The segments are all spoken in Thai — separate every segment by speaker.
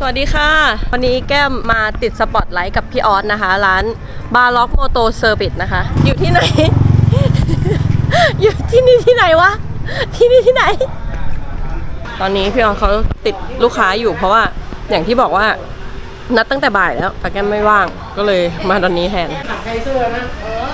Speaker 1: วัสดีค่ะวันนี้แก้มมาติดสปอตไลท์กับพี่ออสนะคะร้านบาร์ล็อกโมโตเซอร์วิสนะคะอยู่ที่ไหน อยู่ที่นี่ที่ไหนวะที่นี่ที่ไหนตอนนี้พี่ออสเขาติดลูกค้าอยู่เพราะว่าอย่างที่บอกว่านัดตั้งแต่บ่ายแล้วแต่แก้มไม่ว่างก็เลยมาตอนนี้แทน
Speaker 2: ไทเซอร์นะ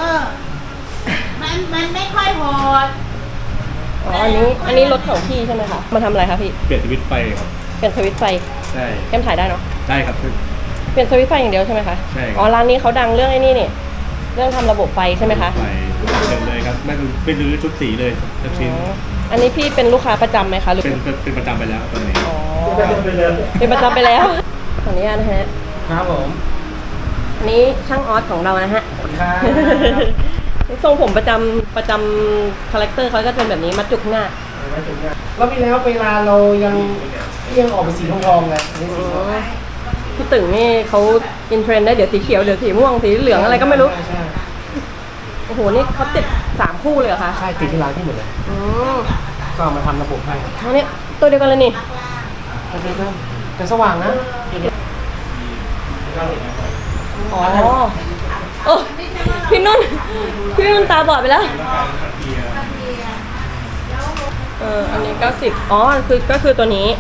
Speaker 3: มันไม่ค่อยโหด
Speaker 1: อ๋ออันนี้รถของพี่ใช่ไหมคะมาทำอะไรคะพี่
Speaker 4: เปลี่ยนสวิตช์ไฟครับ
Speaker 1: เปลี่ยนสวิตช์ไฟ
Speaker 4: ใช่
Speaker 1: แก้มถ่ายได้เนาะ
Speaker 4: ได้ครับ
Speaker 1: เปลี่ยนสวิตช์ไฟอย่างเดียวใช่ไหมคะ
Speaker 4: ใช่
Speaker 1: อ๋อร้านนี้เขาดังเรื่องไอ้นี่นี่เรื่องทำระบบไฟใช่ไหมคะ
Speaker 4: ไฟเต็มเลยครับไม่รื้อชุดสีเลยสักชิ้น
Speaker 1: อันนี้พี่เป็นลูกค้าประจำไหมคะหรือ
Speaker 4: เป็นประจำไปแล้วตอนนี้
Speaker 1: อ๋อเป็นประจำไปแล้วขออนุญาตนะฮะ
Speaker 2: ครับผม
Speaker 1: อันนี้ช่างออสของเรานะฮะทรงผมประจำคาแรคเตอร์เขาก็เป็นแบบนี้มัดจุกหน้า
Speaker 2: แล้วพี่แล้วเวลาเรายังออกเป็นสีทองเลย
Speaker 1: พี่ตึงนี่เขาอินเทรนด์ได้เดี๋ยวสีเขียวเดี๋ยวสีม่วงสีเหลืองอะไรก็ไม่รู้โอ้โหนี่เขาติด3คู่เลยเหรอคะ
Speaker 2: ใช่ติดที่ร้านที่หมดเลยก็มาทำระบบให้
Speaker 1: อันนี้ตัวเดียวกันเลยนี่
Speaker 2: แต่สว่างนะ
Speaker 1: อ๋อโอ้พี่นุ่นตาบอดไปแล้วอันนี้90อ๋อก็คือตัวนี้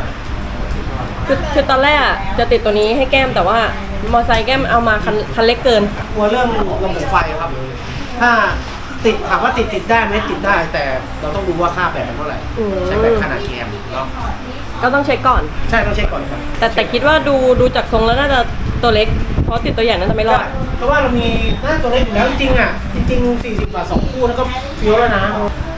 Speaker 1: คือตอนแรกจะติดตัวนี้ให้แก้มแต่ว่ามอไซค์แก้มเอามาคันเล็กเกิน
Speaker 2: กลัวเรื่องระบบไฟครับถ้าติดถามว่าติดได้ไหมติดได้แต่เราต้องดูว่าค่าแบตมันเท่าไหร่ใช้แบตขนาดแกมเนาะ
Speaker 1: ก็ต้องเช็คก่อน
Speaker 2: ใช่ต้องเช็คก่อนครับ
Speaker 1: แต่คิดว่าดูจากทรงแล้วน่าจะตัวเล็กเพราะติดตัวใหญ่น่าจะไม่รอด
Speaker 2: เพราะว่าเรามีหน้าตัวเล็กอยู่แล้วจริง40 บาท2คู่แล้วก็เฟี้ยวแล้วนะ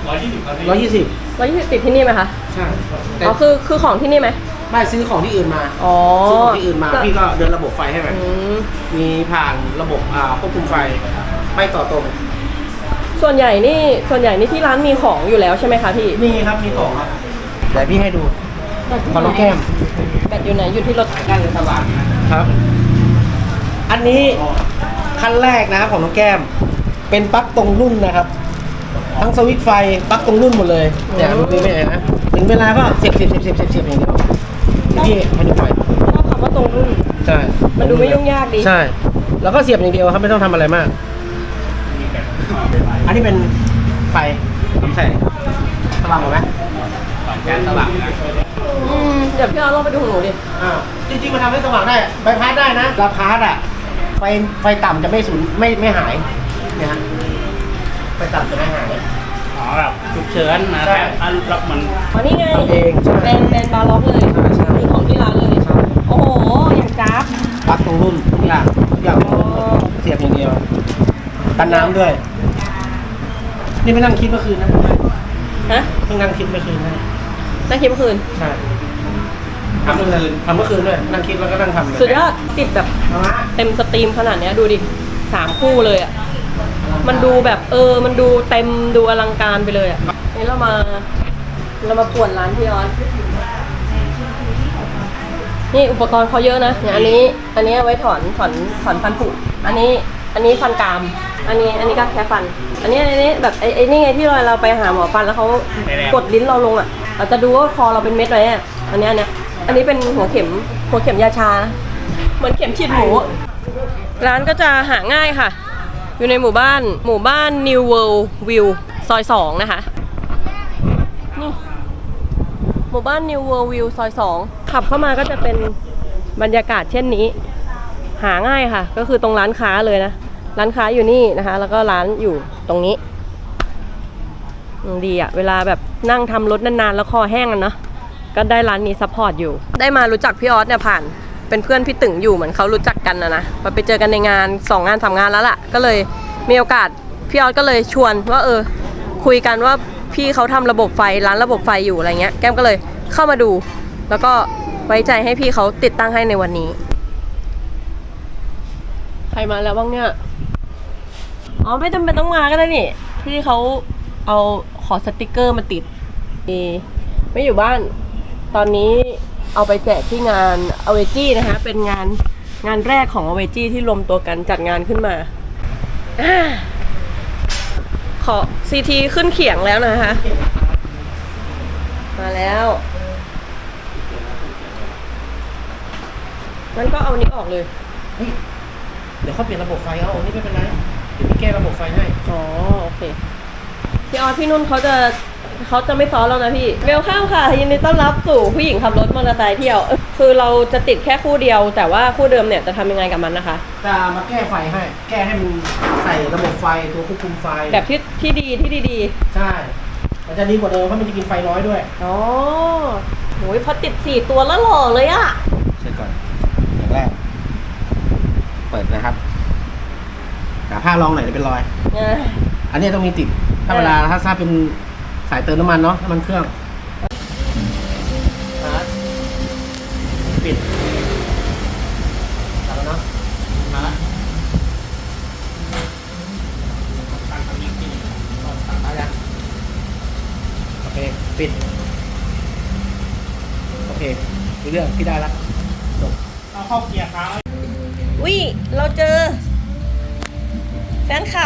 Speaker 2: 120ติ
Speaker 1: ดที่นี่ไหมคะ
Speaker 2: ใช่
Speaker 1: อ๋อคือของที่นี่ไหม
Speaker 2: ไม่ซื้อของที่อื่นมา
Speaker 1: ซื้
Speaker 2: อของที่อื่นมาพี่ก็เดินระบบไฟให้แบบมีผ่านระบบควบคุมไฟไม่ต่อตรง
Speaker 1: ส่วนใหญ่นี่ที่ร้านมีของอยู่แล้วใช่ไหมคะพี่
Speaker 2: มีครับมีของครับเดี๋ยวพี่ให้ดูของน้องแก้ม
Speaker 1: แบตอยู่ไหนอยู่ที่รถ
Speaker 2: ด้านสว่างครับอันนี้ขั้นแรกนะครับของน้องแก้มเป็นปลั๊กตรงรุ่นนะครับทั้งสวิตช์ไฟปลั๊กตรงรุ่นหมดเลยเนี่ยดูไม่ไหนนะถึงเวลาก็เสียบอย่างเดียวพี่ให้ดูไฟ
Speaker 1: ชอบคำว่าตรงรุ่น
Speaker 2: ใช่
Speaker 1: มันดูไม่ยุ่งยากดี
Speaker 2: ใช่แล้วก็เสียบอย่างเดียวครับไม่ต้องทำอะไรมากอันนี้เป็นไฟน้ำแสงสว่างไหมแก๊สสว่างนะ
Speaker 1: เดี๋ยวพี่เอาลองไปดูของหนูดิ
Speaker 2: จริงๆมันทำให้สว่างได้ใบพัดได้นะลาพาร์อ่ะไฟต่ำจะไม่สูญไม่หายเนี่ยฮะไฟต่ำจะไม่หาย
Speaker 4: แบบฉุกเฉินนะแบบรับมัน
Speaker 1: นี่ไง
Speaker 2: เอง
Speaker 1: เป็นบาร์ล็อกเลยคือของที่ร้านเลยโอ้โหอย่างจ้าบ
Speaker 2: ปลั๊กตรงรุ่นทุกอย่างเสียบอย่างเดียวกันน้ำด้วยนี่ไม่นั่งคิดเมื่อคืนนะ
Speaker 1: ฮะ
Speaker 2: เพิ่งนั่งคิดเมื่อคืนนะ
Speaker 1: นั่งคิดเมื่อคืน
Speaker 2: ใช่ทำเมื่อคืนด้วยนั่งคิดแล้วก็นั่งทำ
Speaker 1: สุดยอดติดแบบเต็มสตรีมขนาดนี้ดูดิ3คู่เลยอ่ะมันดูแบบมันดูเต็มดูอลังการไปเลยอ่ะนี่เรามาป่วนร้านพี่ออสนี่อุปกรณ์เขาเยอะนะเนี่ยอันนี้ไว้ถอนฟันผุอันนี้ฟันกรามอันนี้ก็แค่ฟันอันนี้แบบไอ้นี่ไงที่เราไปหาหมอฟันแล้วเขากดลิ้นเราลงอ่ะเราจะดูว่าคอเราเป็นเม็ดไหมอ่ะอันนี้เป็นหัวเข็มยาชาเหมือนเข็มฉีดหมูร้านก็จะหาง่ายค่ะอยู่ในหมู่บ้าน New World View ซอย2นะคะนี่หมู่บ้าน New World View ซอย2ขับเข้ามาก็จะเป็นบรรยากาศเช่นนี้หาง่ายค่ะก็คือตรงร้านค้าเลยนะร้านค้าอยู่นี่นะคะแล้วก็ร้านอยู่ตรงนี้ดีอ่ะเวลาแบบนั่งทำรถนานๆแล้วคอแห้งกันเนาะก็ได้ร้านนี้ซัพพอร์ตอยู่ได้มารู้จักพี่ออสเนี่ยผ่านเป็นเพื่อนพี่ตึงอยู่เหมือนเขารู้จักกันนะไปเจอกันในงาน2 งาน 3 งานแล้วล่ะก็เลยมีโอกาสพี่ออสก็เลยชวนว่าคุยกันว่าพี่เขาทำระบบไฟร้านระบบไฟอยู่อะไรเงี้ยแก้มก็เลยเข้ามาดูแล้วก็ไว้ใจให้พี่เขาติดตั้งให้ในวันนี้ใครมาแล้วบ้างเนี่ยอ๋อไม่จำเป็นต้องมาก็ได้นี่พี่เขาเอาขอสติกเกอร์มาติดไม่อยู่บ้านตอนนี้เอาไปแจกที่งานอเวจี้นะคะเป็นงานแรกของอเวจี้ที่รวมตัวกันจัดงานขึ้นมาขอซีทีขึ้นเขียงแล้วนะคะมาแล้วงั้นก็เอานี้ออกเลย
Speaker 2: เฮ้ยเดี๋ยวเขาเปลี่ยนระบบไฟเอาอันนี้ไม่เป็นไรเดี๋ยวพี่แก้ระบบไฟให้
Speaker 1: อ๋อโอเคพี่ออสพี่นุ่นเขาจะไม่ซ้อนแล้วนะพี่เวลข้ามค่ะยินดีต้อนรับสู่ผู้หญิงขับรถมอเตอร์ไซค์เที่ยวคือเราจะติดแค่คู่เดียว แต่ว่าคู่เดิมเนี่ยจะทำยังไงกับมันนะคะ
Speaker 2: จะมาแก้ไฟให้ แก้ให้มันใส่ระบบไฟตัวควบคุมไฟ
Speaker 1: แบบที่ดี
Speaker 2: ใช่มันจะดีกว่าเดิมเพราะมันจะกินไฟน้อยด้วย
Speaker 1: อ๋อโหยพอติด4ตัวแล้วหล่อเลยอะ
Speaker 2: เช็คก่อนอย่างแรกเปิดนะครับหาผ้ารองหน่อยจะเป็นรอย อันนี้ต้องมีติดถ้าเวลาถ้าเป็นสายเติมน้ำมันเนาะน้ำมันเครื่องปิดตัดแล้วเนาะมาละตัดแล้วโอเคปิดโอเครู้เรื่องที่ได้ละจบ
Speaker 4: เอาเข้าเกียร์ค้าง
Speaker 1: วิเราเจอแฟนคลับ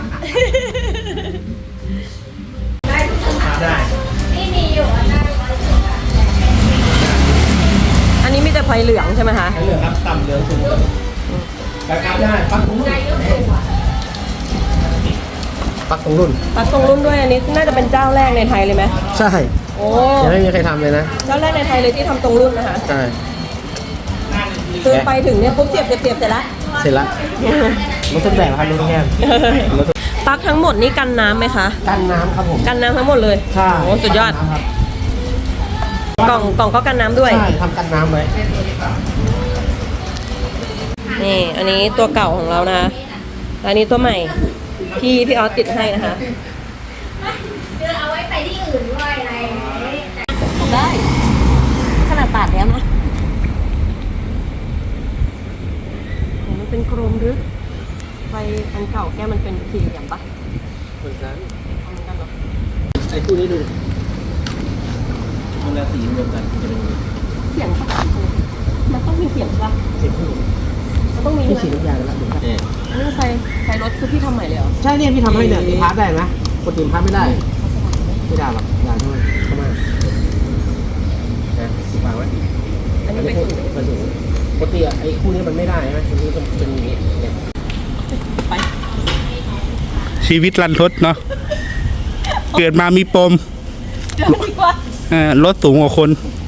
Speaker 2: ได้
Speaker 1: อันนี้มีแต่ไฟเหลืองใช่ไหมคะ
Speaker 2: ใช้เหลืองครับต่ำเหลืองสูงราคาได้ปักตรงรุ่นปักตรงรุ่น
Speaker 1: ปักตรงรุ่นด้วยอันนี้น่าจะเป็นเจ้าแรกในไทยเลยไหม
Speaker 2: ใช่
Speaker 1: โอ้
Speaker 2: ยังไม่มีใครทำเลยนะ
Speaker 1: เจ้าแรกในไทยเลยที่ทำตรงรุ่นนะคะ
Speaker 2: ใช่
Speaker 1: คือไปถึงเนี่ยปุ๊บเสียบเสร็จแล้ว
Speaker 2: เสร็จละรถต้นแบบครับรถแก้มรถ
Speaker 1: ปลั๊กทั้งหมดนี่กันน้ำไหมคะ
Speaker 2: กันน้ำครับผม
Speaker 1: กันน้ำทั้งหมดเลย
Speaker 2: ใช่
Speaker 1: โอ้สุดยอด
Speaker 2: ครับ
Speaker 1: กล่องก็กันน้ำด้วย
Speaker 2: ใช่ทำกันน้ำไว้
Speaker 1: นี่อันนี้ตัวเก่าของเรานะคะและอันนี้ตัวใหม่ที่พี่ออสติดให้นะคะ
Speaker 3: เดินเอาไว้ไปที่อื่นด้วยอะไรอย่างนี้
Speaker 1: ได้ขนาดตัดแล้วนะโหมันเป็นกรมหรือไฟอันเก่าแก้มันเป็นสี่เหลี่ยมปะ
Speaker 2: เหมือนกัน
Speaker 1: เหมือนกันเหรอ
Speaker 2: ไอ้คู่นี้ดูมันละสีรวมกันจะเป็น
Speaker 1: เสียงปะมันต้องมีเสียงปะ
Speaker 2: สีคู่
Speaker 1: มันต้องมี
Speaker 2: พี่
Speaker 1: ใช่
Speaker 2: สี
Speaker 1: ไหม
Speaker 2: ทุกอย่างแล้วดูครับ
Speaker 1: อันนี้ไฟรถคือพี่ทำใหม่เลยเหรอ
Speaker 2: ใช่เนี่ยพี่ทำให้เนี่ยตีพาร์ทได้ไหมกดตีพาร์ทไม่ได้ ไม่ได้หรอกอย่าทำไมเข้ามาวางไว้
Speaker 1: อันนี้เป็น
Speaker 2: เป็นสูงปกติไอ้คู่นี้มันไม่ได้ใช่ไหมมันนี้เป็นอย่างนี้เนี่ย
Speaker 1: ไป
Speaker 5: ชีวิตรันทดเนาะ เกิดมามีปม
Speaker 1: เดี๋ยวดีกว่า
Speaker 5: รถสูงกว่าคน
Speaker 1: เ